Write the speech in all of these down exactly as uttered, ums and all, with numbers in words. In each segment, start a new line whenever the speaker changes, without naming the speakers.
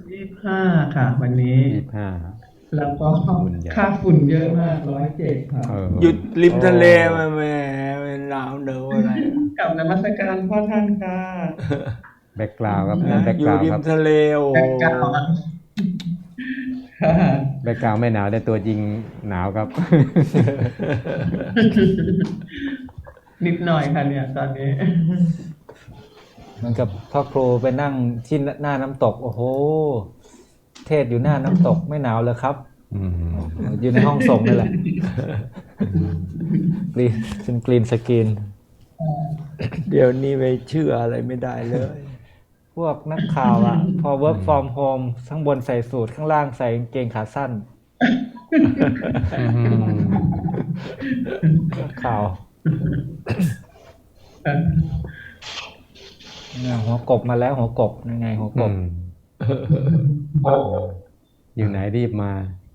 ยี่สิบห้าค่ะวันนี้
ยี่สิบห้า
แล้วก็
บุญใหญ่
ค่าฝุ่นเยอะมากร้อยเจ็ดค่ะ
เออ
หยุดริม
โอ้
ทะเลมาแหมหนาวเหนาวอะไร
กลับนมัสการพ่อท่านค่ะ
แบ็กกราวครับนั่
นะ
นแบ็ก
อยู่ริ
กราวครับ
มทะเลโอ้โห
แบ็คกราวด์ค่ะ
แบ็กกราวไม่หนาวแต่ตัวจริงหนาวครับ
นิดหน่อยค่ะเนี่ยตอนนี้
เหมือนกับพ่อครูไปนั่งที่หน้าน้ำตกโอ้โหเทศอยู่หน้าน้ำตกไม่หนาวเลยครับ
อืม
อยู่ในห้องส่งนี่แหละกรีนเป็นกรีนสกรีน
เดี๋ยวนี้ไปเชื่ออะไรไม่ได้เลย
พวกนักข่าวอ่ะ พอ work from home ข้างบนใส่สูทข้างล่างใส่กางเกงขาสั้น
อืม
นักข่าวเนี่ยหัวกบมาแล้วหัวกบยังไงหัวก
อื
บ
มอยู่ไหนรีบมา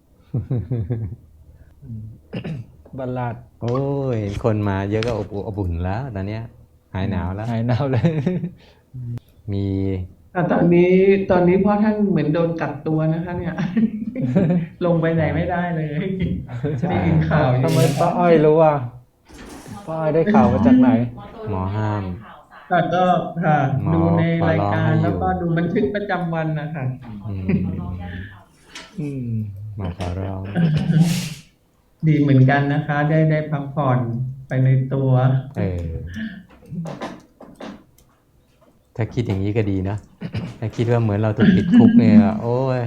บัลลาด
โอ้ยคนมาเยอะก็อบอบอุ่นแล้วตอนเนี้ยหายหนาวแล้ว
หายหนาวเลย
มี
แต่ตอนนี้ตอนนี้พ่อท่านเหมือนโดนกักตัวนะคะเนี่ย ลงไปไหนไม่ได้เลยได้ยินข่าวอยู่
ทำไมป้าอ้อยรู้ว่าป้าอ้อยได้ข่าวมาจากไหน
หมอห้าม
ค่ะก็ค่ะ
หมอ
ดูใน
ขอ
ราย
ร้อง
การ
ให้อยู่
แล้วก็ดูบันทึกประจำวันนะคะ
อืม
อืม
หมอขอร้อง
ดีเหมือนกันนะคะ ได้ได้พักผ่อนไปในตัว
เออ ถ้าคิดอย่างนี้ก็ดีเนอะถ้าคิดว่าเหมือนเราถูกติดคุกเนี่ยโอ้ย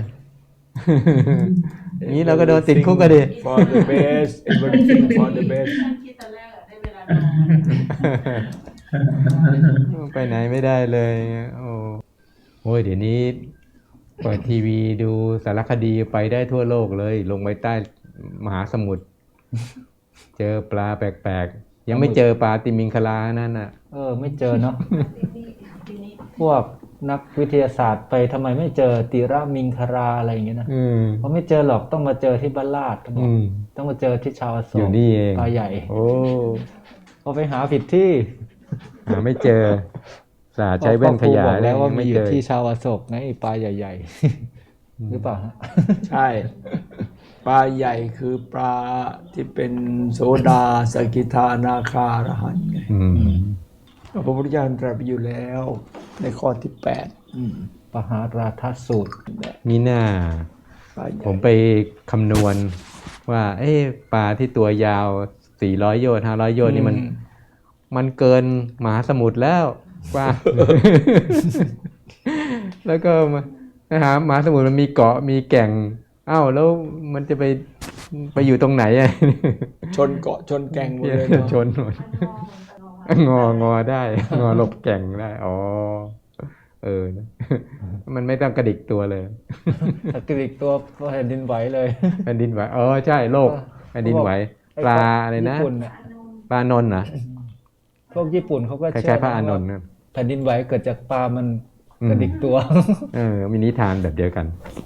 นี้เราก็โดนติดคุกก็ดี
for the best everything for the best
ฉันคิดตอนแรกอะได้เวลานอน
ไปไหนไม่ได้เลยโอ้โอ้ยเดี๋ยวนี้เปิดทีวีดูสารคดีไปได้ทั่วโลกเลย ลงไปใต้มหาสมุทรเจอปลาแปลกๆ ยังไม่เจอปลาติมิงคลานั่นน่ะ
เออ ไม่เจอเนาะ พวกนักวิทยาศาสตร์ไปทำไมไม่เจอติระมิงคาราอะไรอย่างเงี้ยนะ
อืม
เพราะไม่เจอหรอกต้องมาเจอที่บ้านลาดเขาบอ
อื
ก
ม
ต้องมาเจอที่ชาวอโศ
อยู่
ก
นี่เอง
ปลาใหญ่
โอ้
พอไปหาผิดที่
หาไม่เจอสาใช้แว่นขยาย
บอกแล้วว่า
ยัง
มี
ไม่
อ
เจ
ยู่
อ
ที่ชาวอโศกไงไอ้ปลาใหญ่ ๆ หรือเปล่าฮะ
ใช่ ปลาใหญ่คือปลาที่เป็นโสดาสกิทานาคาอรหันต์ไง
อืม
พระพุทธเจ้าตรัสไปอยู่แล้ว ในข้อที่แปดอืม
ปหาราทัสสูตร
มีหน้า
ปลาใหญ่
ผมไปคำนวณว่า เอ๊ะปลาที่ตัวยาวสี่ร้อยโยชน์ห้าร้อยโยชน์นี่มัน มันเกินมหาสมุทรแล้วกว่า แล้วก็มานะฮะมหาสมุทรมันมีเกาะมีแก่งอ้าวแล้วมันจะไปไปอยู่ตรงไหนอะ
ชนเกาะชนแก่งหมดเลยเนาะ
ชนหมดงองอได้ งอหลบแก่งได้อ๋อเออนะ มันไม่ต้องกระดิกตัวเลย
ถ้ากรีกตัวแผ่นดินไหวเลย
แผ่นดินไหวเออใช่โลกแผ่นดินไหวปลาอะไรนะ
ญี่ปุ่นน่
ปลานนท์นะ
พวกญี่ปุ่นเขาก็
คล้
เชื่
ายๆพระอานนท์
ว่า
นะ
แผ่นดินไหวเกิดจากปลามันกระดิกตัว
เออมีนิทานแบบเดียวกัน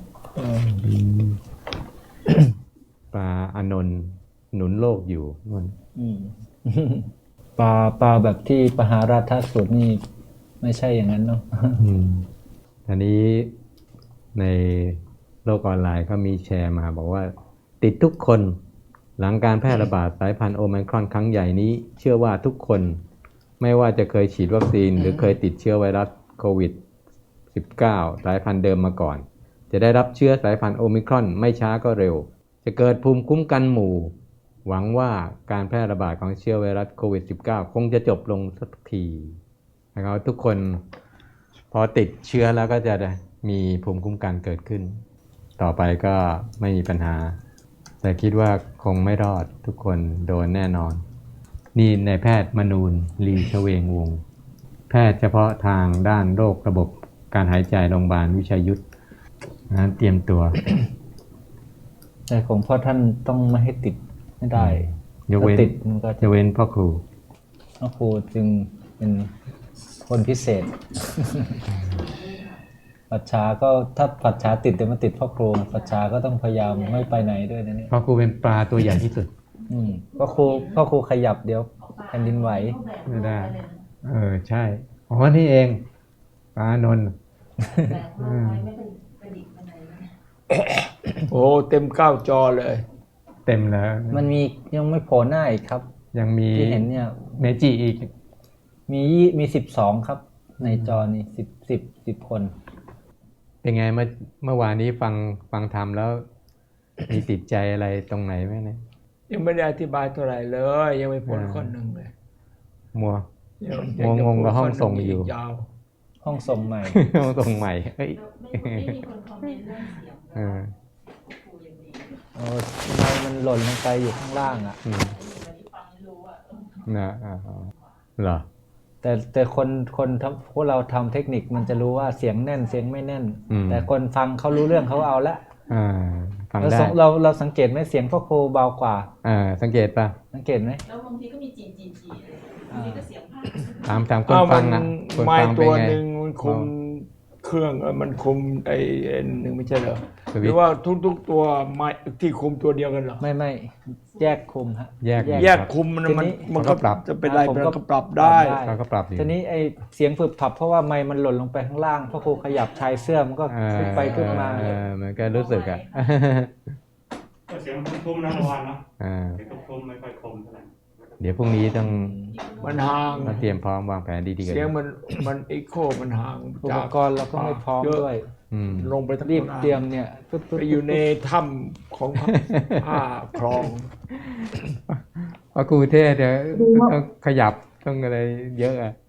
ปลาอานนท์หนุนโลกอยู่นั่น
อืม ปลาปลาแบบที่ปหาราทัสสูตรนี่ไม่ใช่อย่างนั้นเนาะ
อืมทีนี้ในโลกออนไลน์เขามีแชร์มาบอกว่า ติดทุกคนหลังการแพร่ระบาดสายพันธุ์โอไมครอนครั้งใหญ่นี้ เชื่อว่าทุกคนไม่ว่าจะเคยฉีดวัคซีน หรือเคยติดเชื้อไวรัสโควิด สิบเก้า สายพันธุ์เดิมมาก่อน จะได้รับเชื้อสายพันธุ์โอมิครอนไม่ช้าก็เร็ว จะเกิดภูมิคุ้มกันหมู่ หวังว่าการแพร่ระบาดของเชื้อไวรัสโควิด สิบเก้า คงจะจบลงสักทีนะครับทุกคนพอติดเชื้อแล้วก็จะมีภูมิคุ้มกันเกิดขึ้น ต่อไปก็ไม่มีปัญหา แต่คิดว่าคงไม่รอดทุกคนโดนแน่นอน นี่นายแพทย์มนูนลีชเวงวงศ์แพทย์เฉพาะทางด้านโรคระบบการหายใจโรงพยาบาลวิชัยยุทธนั้นเตรียมตัว
แต่ของพ่อท่านต้องไม่ให้ติดไม่ได้
ยกเว้น
ถ้าติดมันก็
จะเว้นพ่อครู
พระครูจึงเป็นคนพิเศษ ปัจฉาก็ถ้าปัจฉาติดแต่มาติดพ่อครูปัจฉาก็ต้องพยายามไม่ไปไหนด้วยนะเนี่ย
พ่อครูเป็นปลาตัวใหญ่ที่สุด
อืมพ่อครูพ่อครูขยับเดี๋ยวแผ่นดินไหว
ไม่ได้ เออใช่อ๋อนี่เองปลานนท์
แต่ว่าไว้ไม่กระดิกไป
โอ้เต็มเก้าจอเลย
เต็มแล้ว
มันมียังไม่โผล่หน้าอีกครับ
ยังมี
ที่เห็นเนี่ย
เมจิอีก
มียี่มีสิบสองครับ ในจอนี่สิบสิบสิบคน
เป็นไงเมื่อเมื่อวานนี้ฟังฟังธรรมแล้ว มีติดใจอะไรตรงไหนไหมเนี่ย
ยังไม่ได้อธิบายเท่าไหร่เลย ยังไม่พ้น
อ่า
ข้อหนึ่งเลย
มัว
ยัง
งงๆกับห้องส่งอยู่
ยาว
ห้องส่งใหม่
ตรงใหม่เฮ้ย
ไม่ไม่มีคนคอมเมนต์เรื่องเสียง
เออ
ครูยังดี
โอ้ทำไมมันหล่นลงไปอยู่ข้างล่างอ่ะ
อืม
วันนี้ฟังไม่รู้อ่ะ
นะอ่าเหรอ
แต่แต่คนคนทำพวกเราทำเทคนิคมันจะรู้ว่าเสียงแน่นเสียงไม่แน่น
อืม
แต่คนฟังเขารู้เรื่องเขาเอาละ
อ่าฟัง
เรา
ได้
สังเราเราสังเกตไหมเสียงพ่อครูเบากว่า
อ่าสังเกตป่ะ
สังเกตไหม
แล้วบางทีก็มีจีจีจีเลยบางทีก็เสียงภาค
ตามตามค
ๆ
น
อ้าว
ฟั
มัน
งอ่ะคน
ไม้
ฟัง
ตั
เป็น
ว
ไง
หนึ่งมันคุมเครื่องเออมันคุมไอ้ไอ้หนึ่งไม่ใช่เหรอ
สวิตช์
หรือว่าทุกๆตัวไม้ที่คุมตัวเดียวกันเหรอ
ไม่ไม่แยกคุมฮะ
แยก
แยกคุมมัน
ทีนี้
มันมัน
เขาก็
ก็
ปรับ
จะเป็นไร
ผม
มัน
ก็
ก็ปรับได้
ปรับได้
เขาก็ปรับอยู่
ทีนี้ไอเสียงฝึกผับเพราะว่าไมค์มันหล่นลงไปข้างล่างพ่อครูขยับชายเสื้อมันก็
อ่า
ขึ้นไปขึ้นมา
เออมันก็รู้สึกอ่ะ
ก็เสียงทุ่มๆนะเมื่อวานเนาะ
อ่า
เสียงทุ่มๆไม่ค่อยคมเท่าไหร่
เดี๋ยวพรุ่งนี้ต้อง
มันห่าง
มาเตรียมพร้อมวางแผนดีๆกัน
เสียงมันมันเอ็กโคมันห่าง
อุ
จา
ปกรณ์เราก็ไม่พร้อม
เยะ
ด้วย
อืม
ลงไปทั้ง
รีบ
หน้า
เตรียมเนี่ยปึ๊บปึ๊บ
ไปอยู่ในถ้ำของผ้าคลอง
เพราะครูเทศเดี๋ยวต้องขยับต้องอะไรเยอะอ่ะ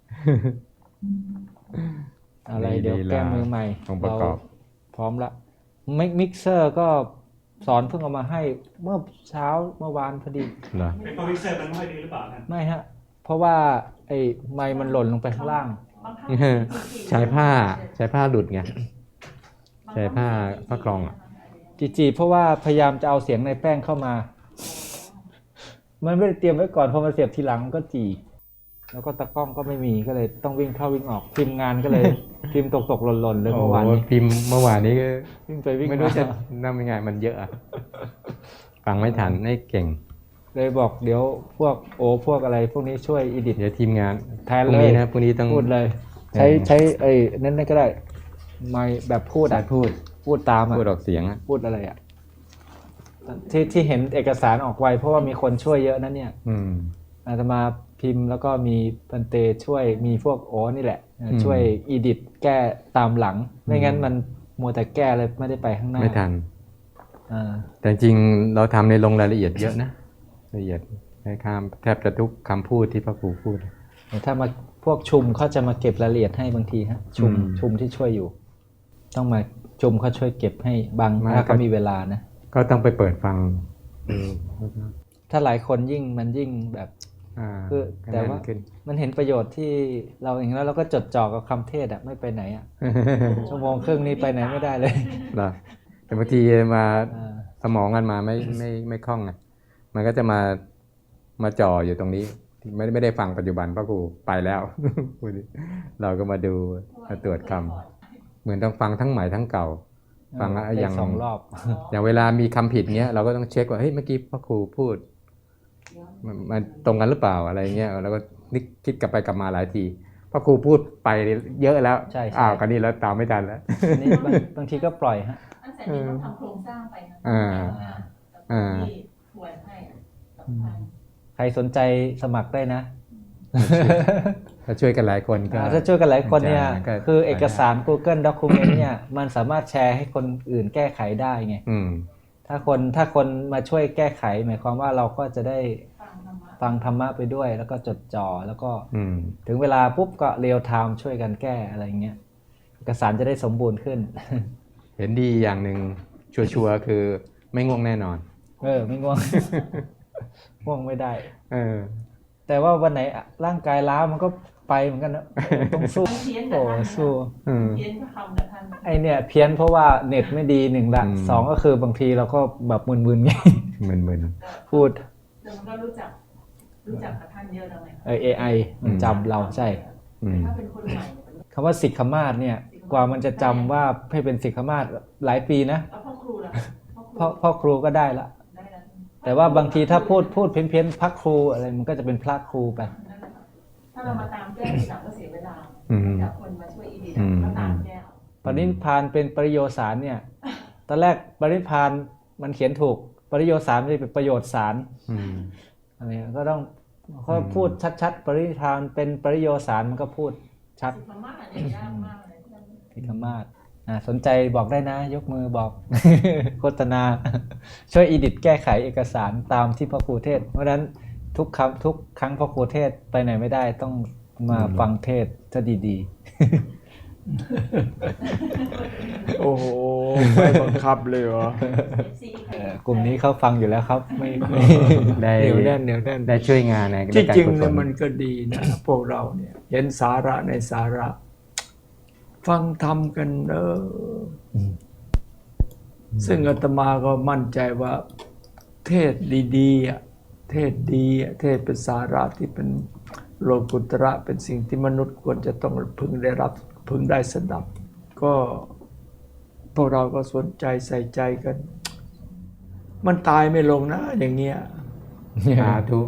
อะไร
มี
เดี๋ยว
ลีลา
แก้มือใหม่
องค์ประกอบ
เราพร้อมละมิกมิกเซอร์ก็สอนเพิ่งเอามาให้เมื่อเช้าเมื่อวานพอดี
เหรอ
เป็นคอมพิวเตอร์มันไม่ค่อยดีหรือเปล่านะ
ไม่ฮะ เพราะว่าไอ้ไมค์มันหล่นลงไปข้างล่าง
บางครั้ง
ใช้ผ้าใช้ผ้าหลุดไง ใช้ผ้าผ้ากรองอ่ะ
จีจีเพราะว่าพยายามจะเอาเสียงในแป้งเข้ามา มันไม่ได้เตรียมไว้ก่อนพอมาเสียบทีหลังมันก็จีแล้วก็ตะกล้องก็ไม่มีก็เลยต้องวิ่งเข้าวิ่งออกทีมงานก็เลย พิมพ์ตกตกๆหล่นๆเลย
โอ้
เมื่อวาน
โห
นี้
พิมพ์เมื่อวานนี้ก็
วิ่งไปวิ่ง
ไม่
มา
รู้จะทำยังไงมันเยอะอะฟังไม่ทันไม่เก่ง
เลยบอกเดี๋ยวพวกโอพวกอะไร พวกนี้ช่วยอีดิท
เดี๋ยวทีมงาน
แทน
พรุ่ง
เลย
นี้นะพรุ่งนี้ต้อง
พูดเลย ใช้ใช้ไอ้นั่นก็ได้ ไม่แบบพูด
สา
อ่ะ
ยพูด
พูดตามอ่ะ
พูดออกเสียงอ่ะ
พูดอะไรอ่ะที่ที่เห็นเอกสารออกไวเพราะว่ามีคนช่วยเยอะนะเนี่ย
อืม
อาตมาพิมพ์แล้วก็มีพันเตช่วยมีพวกโอ้นี่แหละ
อืม
ช่วยอีดิทแก้ตามหลัง ไม่งั้น
อืม
มันมัวแต่แก้เลยไม่ได้ไปข้างหน้า
ไม่ทัน
อ่า
แต่จริงๆเราทำในลงรายละเอียดเยอะนะละเอียดในคำแทบจะทุกคำพูดที่พระครูพูด
แต่ถ้ามาพวกชุมเขาจะมาเก็บรายละเอียดให้บางทีฮะชุม
อืม
ชุมที่ช่วยอยู่ ต้องมาชุมเขาช่วยเก็บให้บาง
มา
ถ้าเขา
ก็
มีเวลานะ
ก็ต้องไปเปิดฟัง
ถ้าหลายคนยิ่งมันยิ่งแบบ
อ่า
คือ
ก็
แต่
น่น
ว่า
ขึ้น
มันเห็นประโยชน์ที่เราเองแล้วเราก็จดจ่อกับคำเทศอะไม่ไปไหนอะชั่วโมงครึ่งนี้ไปไหนไม่ได้เลย
เหรอแต่บางทีมา
อ่า
สมองกันมาไม่ไม่ไม่คล่องไงมันก็จะมามาจ่ออยู่ตรงนี้ ไม่ได้ไม่ได้ฟังปัจจุบันเพราะครูไปแล้ว พูดดิเราก็มาดูมาตรวจคำเหมือนต้องฟังทั้งใหม่ทั้งเก่า ฟัง
ได้
อย่าง
สองรอบ
อย่างเวลามีคำผิดเงี้ยเราก็ต้องเช็คว่าเฮ้ยเมื่อกี้พ่อครูพูดมันมันตรงกันหรือเปล่าอะไรเงี้ยแล้วก็นึกคิดกลับไปกลับมาหลายทีพ่อครูพูดไปเยอะแล้ว
ใช่ใช่
อ้าวคราวนี้แล้วตามไม่ทันแล้ว
อันนี้บางบางทีก็ปล่อยฮะ
อันแต่นี้ต้องทำโครงสร้างไปนะ
อ่า
อ่าที่ทวนให้อะสำคัญ
ใครสนใจสมัครได้นะ
ถ้าช่วยกันหลายคนก็
อ่าถ้าช่วยกันหลายคนเนี่ย
ก็
คือเอกสาร Google Document เนี่ยมันสามารถแชร์ให้คนอื่นแก้ไขได้ไง
อืม
ถ้าคนถ้าคนมาช่วยแก้ไข หมายความว่าเราก็จะได้
ฟังธรรมะ
ฟังธรรมะไปด้วย แล้วก็จดจ่อแล้วก็
อืม
ถึงเวลาปุ๊บก็เรียลไทม์ช่วยกันแก้อะไรเงี้ยเอกสารจะได้สมบูรณ์ขึ้น
เห็นดีอย่างหนึ่งชัวร์ๆคือไม่ง่วงแน่นอน
เออไม่ง่วง ง่วงไม่ได้
เออ
แต่ว่าวันไหนร่างกายล้ามันก็ไปเหมือนกันนะต้องสู้
เพี้ยนกั
โอ้
บท่าน
สู้
อืม
เพี้ยนก็ทำกับท่าน
ไอเนี่ยเพี้ยนเพราะว่าเน็ตไม่ดีหนึ่งละ
อืม
สองก็คือบางทีเราก็แบบมึนๆไง
มึน
พูด
แต่มันก็รู้จัก รู้จักกับท่านเยอะแล้วไง
เออ เอ ไอ มันจำเราใช่
อืม
ถ้าเป็นคนใหม่เนี่ย
คำว่าสิกขมาศเนี่ย กว่ามันจะจำว่าให้เป็นสิกขมาศหลายปีนะ
แล้วพ่อครูล่ะพ่อครู
พ่อพ่อครูก็ได้ละ
ได้แล้ว
แต่ว่าบางทีถ้าพูดพูดเพี้ยนเพี้ยนๆพระครูอะไรมันก็จะเป็นพระครูไป
นั่นแหละค่ะถ้าเรามาตามแก้ทีหลังก็เสียเวลา
อืม
จากคนมาช่วยอีดี
อืม
แล้วตามแก้เอา
ปณิพานเป็นปริโยสารเนี่ยตอนแรกปริพานมันเขียนถูกปริโยสารมันจะเป็นประโยชน์สาร
อืม
อะไรก็ต้องเขาพูดชัดๆ ปริพานเป็นปริโยสารมันก็พูดชัด
สุภามาศเนี่ยยากมากเลย
พิคมาศอ่าสนใจบอกได้นะ ยกมือบอก โฆษณา ช่วยอีดิทแก้ไขเอกสารตามที่พ่อครูเทศน์เพราะฉะนั้นทุกคำทุกครั้งพ่อครูเทศน์ไปไหนไม่ได้ต้องมาฟังเทศน์จะดีๆ
โอ้โหไม่บังคับเลยเหรอ
เอ่อกลุ่มนี้เขาฟังอยู่แล้วครับไม่ไม่
ได้
เหนียวแน่นเหนียวแน่น
ได้ช่วยงานใน
ที่
การ
จริง
กุศ
เนี่ย
ล
มันก็ดีนะ พวกเราเนี่ย เห็นสาระในสาระ ฟังธรรมกันเอออซึ่งอาตมาก็มั่นใจว่า เทศดีๆอ่ะเทศดีอ่ะเทศเป็นสาระที่เป็นโลกุตระเป็นสิ่งที่มนุษย์ควรจะต้องพึงได้รับพึงได้สดับ ก็พวกเราก็สนใจใส่ใจกัน มันตายไม่ลงนะ อย่างเงี้ย
สาธุ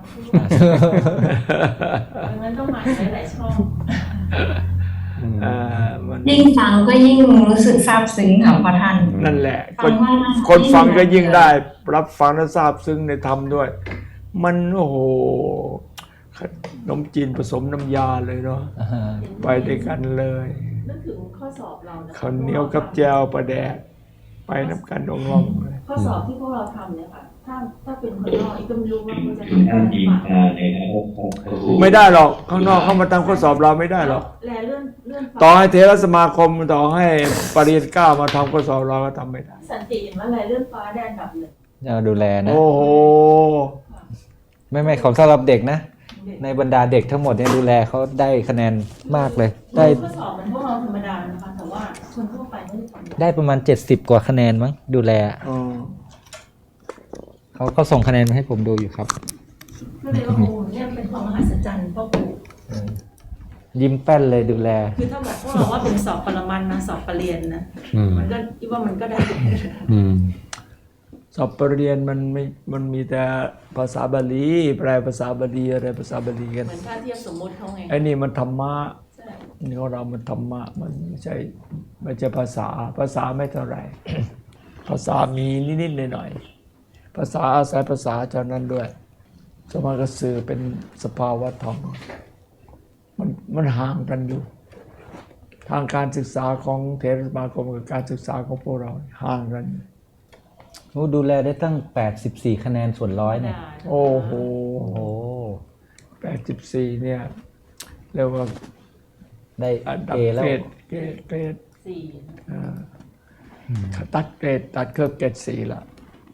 ดังนั้นต้องมาหลายๆช่อง
อ่ามัน
ยิ่งฟังก็ยิ่งรู้สึกซาบซึ้งค่ะพระท่าน
นั่นแหละ
ฟั
คน
งว่า
คนฟังก็ยิ่งได้ รับฟังและทราบซึ้งในธรรมด้วย มันโอ้โหขนมจีนผสมน้ำยาเลยเนาะไปด้วยกันเลย
นึกถึงข้อสอบเรานะ
ข้าวเหนียวกับแจวปลาแดกไปน้ำกันองลองเลย
ข้อสอบที่พวกเราทำเนี่ยค่ะถ้าถ้าเป็นคนนอกอีกก็ไม่รู้ว่ามันจะทำได้หรือเปล่า
ไม่ได้หรอกข้างนอกเข้ามาทำข้อสอบเราไม่ได้หรอก
แลเลื่อนเลื่อน
ต่อให้เทรสมาคมต่อให้ปริญญาเก้ามาทำข้อสอบเราก็ทำไม่ได้
สันติเห็นว่าแลเลื่อนฟ้าได้อันดับหนึ่ง
จะดูแลนะ
โอ้โห
ไม่ไม่ของสำหรับเด็กนะ ในบรรดาเด็กทั้งหมดเนี่ยดูแลเขาได้คะแนนมากเลย ได้
ข้อสอบมันพวกเราธรรมดานะคะแต่ว่าคนทั่วไปไม่ได้ทำ
ได้ประมาณเจ็ดสิบกว่าคะแนนมั้งดูแล
อืม
เขาเขาส่งคะแนนมาให้ผมดูอยู่ครับ
ก็เลยว่าโอ้เนี่ยเป็นความมหัศจรรย์พ่อครู
ยิ้มแป้นเลยดูแล
คือถ้าแบบพวกเราว่าเป็นสอบปรมันนะสอบปรริญญานะ
อืม
มันก็คิดว่ามันก็ได้
อืม
สอบปริญญามันไม่มันมีแต่ภาษาบาลีแปลภาษาบาลีอะไรภาษาบาลีกัน
เหมือนถ้าเทียบสมมุติเขาไง
ไอ้นี่มันธรรมะ
ใช่
นี่ของเรามันธรรมะมันไม่ใช่ไม่ใช่ภาษา ภาษาไม่เท่าไหร่ ภาษามีนิดๆหน่อยๆภาษาอาศัยภาษาเท่านั้นด้วยสมาก็สื่อเป็นสภาวะธรรมมันมันห่างกันอยู่ ทางการศึกษาของเทรสมาคมกับการศึกษาของพวกเราห่างกัน
โอ้ดูแลได้ตั้งแปดสิบสี่คะแนนส่วนร้อยเนี่ย
โอ้โห
โอ้โห
แปดสิบสี่เนี่ยเรียกว่า
ได้
อันดับ
เอแล้ว
เกรดเกรดเกรด
สี่
อ่าตัดเกรดตัดเครื่องเกรดสี่ละ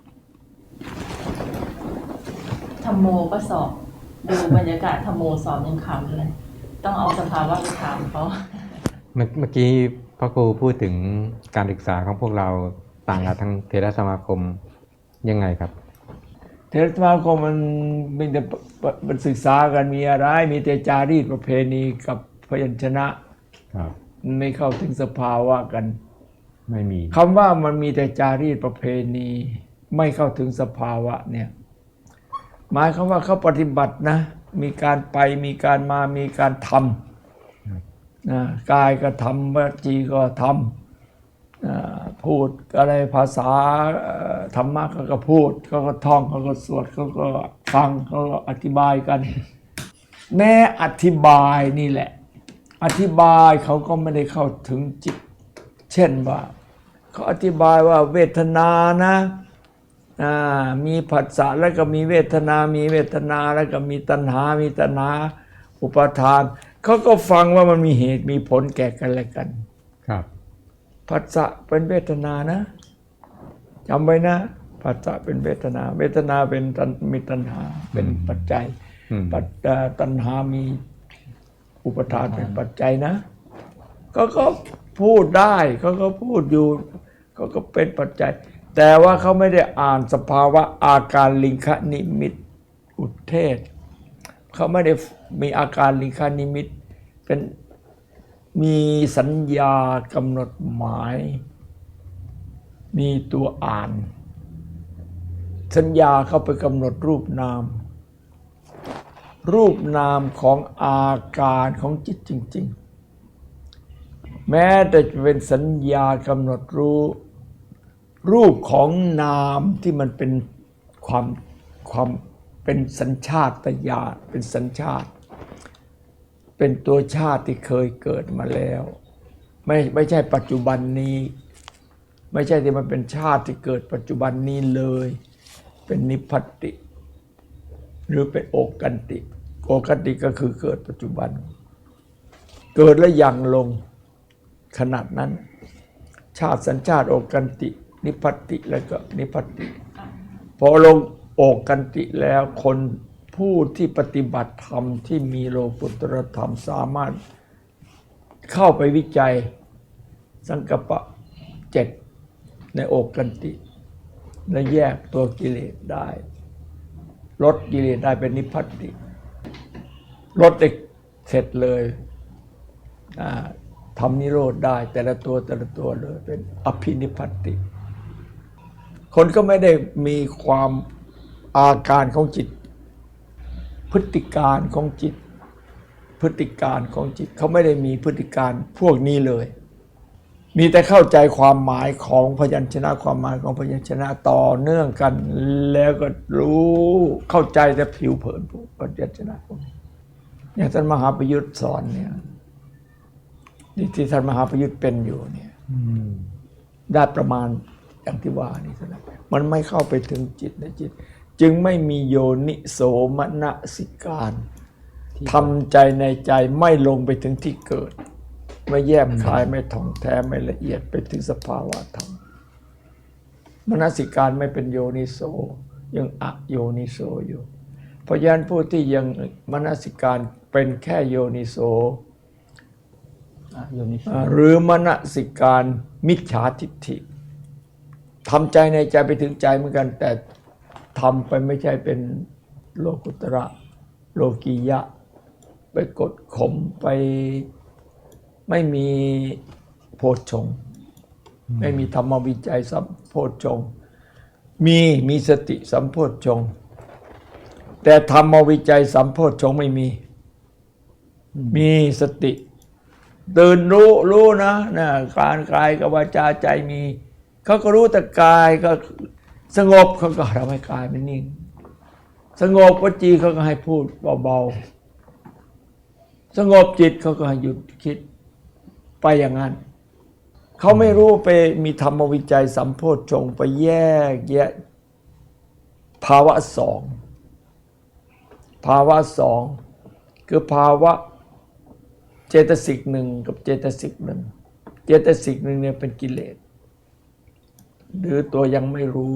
ธรรมโมก็สอบ ดูบรรยากาศธรรมโมสอบยังขำเลย ต้องเอาสภาวะไปถามเขา
เมื่อเมื่อกี้พระครูพูดถึงการศึกษาของพวกเราต่างกับทางเทรสมาคมยังไงครับ
เทรสมาคมมันมีแต่มันศึกษากันมีอะไร มีแต่จารีตประเพณีกับพยัญชนะครับ มันไม่เข้าถึงสภาวะกัน
ไม่มี
คำว่ามันมีแต่จารีตประเพณี ไม่เข้าถึงสภาวะเนี่ย หมายความว่าเขาปฏิบัตินะ มีการไปมีการมามีการทำนะกายก็ทำวจีก็ทำอ่าพูดอะไรภาษาเอ่อธรรมะเขาก็พูดเขาก็ท่องเขาก็สวดเขาก็ฟังเขาก็อธิบายกัน แม้อธิบายนี่แหละ อธิบายเขาก็ไม่ได้เข้าถึงจิต เช่นว่าเขาอธิบายว่าเวทนานะอ่ามีผัสสะแล้วก็มีเวทนา มีเวทนาแล้วก็มีตัณหา มีตัณหา อุปาทานเขาก็ฟังว่ามันมีเหตุมีผลแก่กันและกัน
ครับ
ผัสสะเป็นเวทนานะจำไว้นะผัสสะเป็นเวทนา เวทนาเป็นตัณมีตัณหาเป็นปัจจัย
อืม
ปัจเอ่อตัณหามีอุปทานเป็นปัจจัยนะก็ก็พูดได้เขาก็พูดอยู่เขาก็เป็นปัจจัย แต่ว่าเขาไม่ได้อ่านสภาวะอาการลิงคนิมิตอุทเทศเขาไม่ได้มีอาการลิงคนิมิตเป็นมีสัญญากำหนดหมาย มีตัวอ่าน สัญญาเข้าไปกำหนดรูปนาม รูปนามของอาการของจิตจริงๆ แม้แต่จะเป็นสัญญากำหนดรู้รูปของนามที่มันเป็นความความเป็นสัญชาตญาณเป็นสัญชาติ เป็นตัวชาติที่เคยเกิดมาแล้วไม่ไม่ใช่ปัจจุบันนี้ ไม่ใช่ที่มันเป็นชาติที่เกิดปัจจุบันนี้เลย เป็นนิพพัตติ หรือเป็นโอกันติ โอกันติก็คือเกิดปัจจุบัน เกิดแล้วยังลงขนาดนั้น ชาติสัญชาติโอกันติ นิพพัตติแล้วก็นิพพัตติ พอลงโอกันติแล้วคนผู้ที่ปฏิบัติธรรมที่มีโลกุตตรธรรมสามารถเข้าไปวิจัยสังกัปปะเจ็ดในโอกันติและแยกตัวกิเลสได้ลดกิเลสได้เป็นนิพพัตติลดได้เสร็จเลยทำนิโรธได้แต่ละตัวแต่ละตัวเลยเป็นอภินิพพัตติคนก็ไม่ได้มีความอาการของจิตพฤติการของจิตพฤติการของจิตเขาไม่ได้มีพฤติการพวกนี้เลยมีแต่เข้าใจความหมายของพยัญชนะความหมายของพยัญชนะต่อเนื่องกันแล้วก็รู้เข้าใจแต่ผิวเผินพวกพยัญชนะพวกนี้อย่างท่านมหาประยุทธ์สอนเนี่ยที่ท่านมหาประยุทธ์เป็นอยู่เนี่ยได้ประมาณอย่างที่ว่านี่เท่านั้นมันไม่เข้าไปถึงจิตในจิตจึงไม่มีโยนิโสมนสิการทำใจในใจไม่ลงไปถึงที่เกิดไม่แยบคายไม่ท่องแท้ไม่ละเอียดไปถึงสภาวะธรรมมนสิการไม่เป็นโยนิโสยังอโยนิโสอยู่เพราะฉะนั้นผู้ที่ยังมนสิการเป็นแค่โยนิโสหรือมนสิการมิจฉาทิฏฐิทำใจในใจไปถึงใจเหมือนกันแต่ทำไปไม่ใช่เป็นโลกุตระโลกียะไปกดข่มไปไม่มีโพชฌงค์ไม่มีธรรมวิจัยสัมโพชฌงค์มีมีสติสัมโพชฌงค์แต่ธรรมวิจัยสัมโพชฌงค์ไม่มีมีสติตื่นรู้รู้นะนะการกายกับวาจาใจมีเขาก็รู้แต่กายก็สงบเขาก็ทำให้กายมันนิ่งสงบวจีเขาก็ให้พูดเบาๆสงบจิตเขาก็ให้หยุดคิดไปอย่างนั้นเขาไม่รู้ไปมีธรรมวิจัยสัมโพชฌงค์ไปแยกแยะภาวะสองภาวะสองคือภาวะเจตสิกหนึ่งกับเจตสิกหนึ่งเจตสิกหนึ่งเนี่ยเป็นกิเลสหรือตัวยังไม่รู้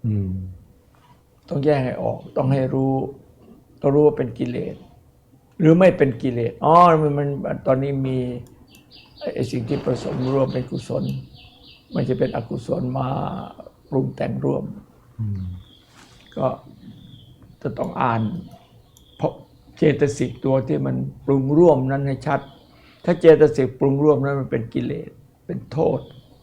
ต้องแยกให้ออกต้องให้รู้ต้องรู้ว่าเป็นกิเลสหรือไม่เป็นกิเลสอ๋อมันมันตอนนี้มีไอ้สิ่งที่ผสมร่วมเป็นกุศลไม่ใช่เป็นอกุศลมาปรุงแต่งร่วมก็จะต้องอ่านเพราะเจตสิกตัวที่มันปรุงร่วมนั้นให้ชัดถ้าเจตสิกปรุงร่วมนั้นมันเป็นกิเลสเป็นโทษ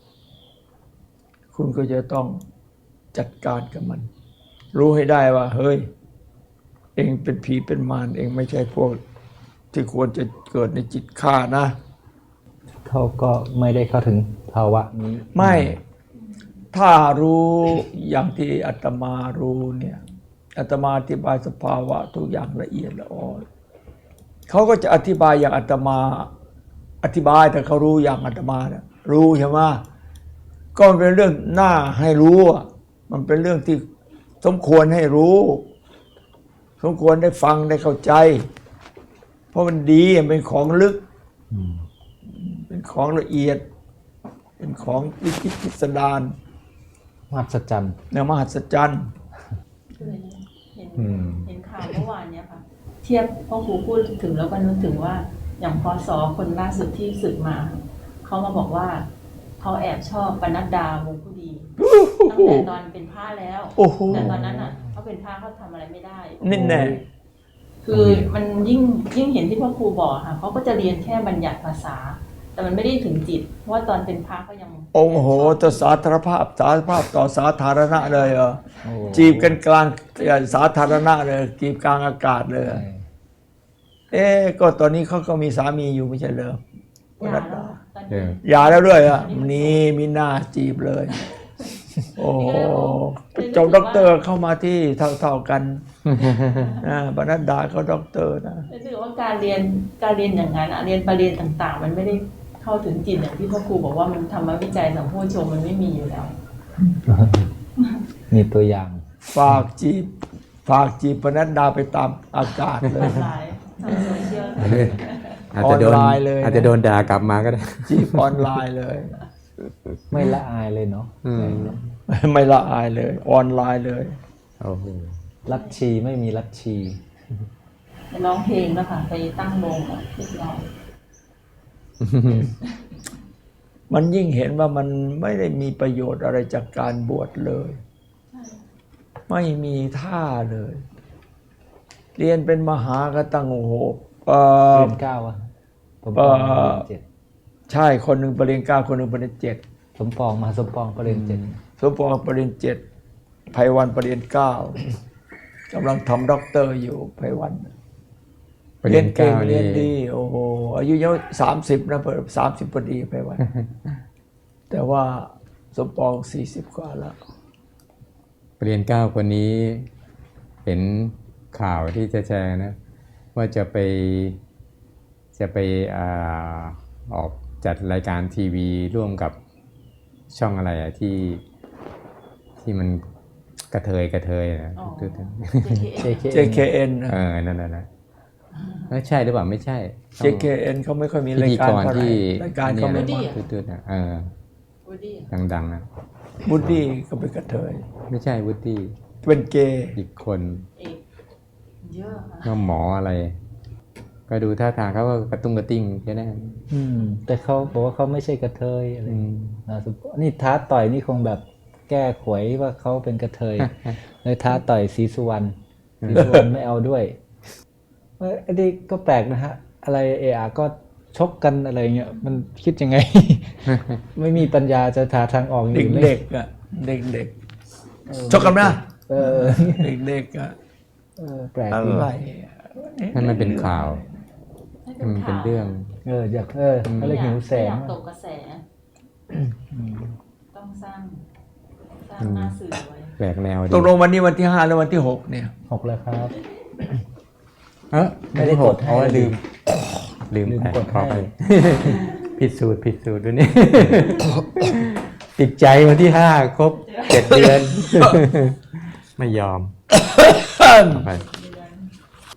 คุณก็จะต้องจัดการกับมันรู้ให้ได้ว่าเฮ้ยเองเป็นผีเป็นมารเองไม่ใช่พวกที่ควรจะเกิดในจิตข้านะ
เขาก็ไม่ได้เข้าถึงภาวะนี้
ไม่ถ้ารู้อย่างที่อาตมารู้เนี่ยอาตมาอธิบายสภาวะทุกอย่างละเอียดละออเขาก็จะอธิบายอย่างอาตมาอธิบายแต่เขารู้อย่างอาตมาเนี่ยรู้ใช่ไหมก็เป็นเรื่องน่าให้รู้มันเป็นเรื่องที่สมควรให้รู้สมควรได้ฟังได้เข้าใจเพราะมันดีเป็นของลึกเป็นของละเอียดเป็นของวิจิตรพิสดาร
มหัศจรรย์
เนี่ยมหัศจรรย์
เห็นเห็นข่าวเมื่อวานเนี้ยค่ะเทียบพ่อครูพูดถึงแล้วก็นึกถึงว่าอย่างพศคนล่าสุดที่สึกมาเขามาบอกว่าเขาแอบชอบปนัดดาวงผู้ดีตั้งแต่ตอนเป็นพระแล้วแต่ตอนนั้นอ่ะเขาเป็นพระเขาทำอะไรไม่ได้
นี่แน่
คือมันยิ่งยิ่งเห็นที่พ่อครูบอกค่ะเขาก็จะเรียนแค่บัญญัติภาษาแต่มันไม่ได้ถึงจิตเพราะว่าตอนเป็นพระก็ยัง
องค์โหต่อสาธารณภาพสาธารณภาพต่อสาธารณะเลยเหรอจีบกันกลางสาธารณะเลยจีบกลางอากาศเลยเอ๊ก็ตอนนี้เขาก็มีสามีอยู่ไม่ใช่เหรอ
อย่าแล้ว
อย่าแล้วด้วยอ่ะนี่มีหน้าจีบเลยโอ้โหจบด็อกเตอร์เข้ามาที่เท่าๆกันนะปนัดดาเขาด็อกเตอร์นะ
รู้สึกว่าการเรียนการเรียนอย่างนั้นอะเรียนประเด็นต่างๆ มันไม่ได้เข้าถึงจิตอย่างที่พ่อครูบอกว่ามันธรรมวิจัยสัมโพชฌงค์มันไม่มีอยู่แล้ว
มีตัวอย่าง
ฝากจีบฝากจีบปนัดดาไปตามอากาศเลย
หลายทางโซเชียล
อาจจะโดน
ออนไลน์เลยนะ
อาจจะโดนด่ากลับมาก็ได้
จีบออนไลน์เลย
ไม่ละอายเลยเนาะ
อืม
ไม่ละอายเลย ออนไลน์เลย
โอ้โห
ลัทธิไม่มีลัทธิ
ร้องเพลงแล้วค่ะไปตั้งวงกับพี่น้อง
มันยิ่งเห็นว่ามันไม่ได้มีประโยชน์อะไรจากการบวชเลย ไม่มีท่าเลย เรียนเป็นมหากตังโอ้โหเอ่อ
เรียนเก้าอะผมป
เอ่
อง
อ
มาเรียนเจ็ด
ใช่คนหนึ่งปริญญาเก้าคนหนึ่งปริญญาเจ็ด
สมปองมาสมปองก็เรียนเจ็ด
สมปองปริญญาเจ็ดไพวันปริญญาเก้ากำลังทำด็อกเตอร์อยู่ไพวัน
ประ
เรี
เด็
ยน
น
เก่
เก้าง
เรีย
นี่
นดีโอ้โหอายุยังสามสิบนะเปิดสามสิบพอดีไพวัน แต่ว่าสมปองสี่สิบกว่าแล้ว
ประเด็นเก้าคนนี้เห็นข่าวที่จะแชร์นะ ว่าจะไปจะไปอาออกจัดรายการทีวีร่วมกับช่องอะไรอะที่ที่มันกระเทยกระเทยนะ
อ๋อ
เจ
เจ เค เอ็น นะ
เออนั่นน่ะนะเอ้ยใช่หรือเปล่าไม่ใช่
เจ เค เอ็น เขาไม่ค่อยมี
พิ
ราย
ธี
การ
กร
เท่าไหร่
ที่
รายการเขาไม่
นี่
มาย
นะตืดๆนะเออ
วูดดี้
ดังๆนะ
บูดดี้ก็เป็นกระเทย
ไม่ใช่วุฒิ
เป็นเกย์
อีกคน
เอกเยอะค่ะ
ก็หมออะไร ก็ดูท่าทางเขาก็กระตุ้งกระติ้งแค่นั้น
อืม แต่เขาบอกว่าเขาไม่ใช่กระเทยอะไร
อืม
นะสมปองนี่ท้าต่อยนี่คงแบบแก้ขวยว่าเขาเป็นกระเทย เลยท้าต่อยศรีสุวรรณศรีสุวรรณไม่เอาด้วยเอ้ยอันนี้ก็แปลกนะฮะ อะไรเออาก็ชกกันอะไรเงี้ยมันคิดยัง ไง ไม่มีปัญญาจะหาทางออกอย่างอื่นไหม
เด็กๆอ่ะเด็กๆชกกันนะ
เออ
เด็กๆอ่ะ
เออแปลก
อะ
ดี
ไร
ให้มันเป็นข่าว
ให้
ให้มันเป็น
ข่าว
เรื่อง
เอออยากเออเขาเลยหิวแสง
ไม่อยากตกกระแส ต้องสร้างสร้างหน้าสื่อไว้
แปลกแนวดี
ตกลงวันนี้วันที่ห้าแล้ววันที่หกเนี่ย
หกแล้วครับ
เออ
ไม่ได้กดให้
อ๋อลืม ลืม
ลืม
ไป
กด
ขอไป
ให้
ผิดสูตรผิดสูตรด้วยนี่ ติดใจวันที่ห้าครบเจ็ดเดือน ไม่ยอมเอาไป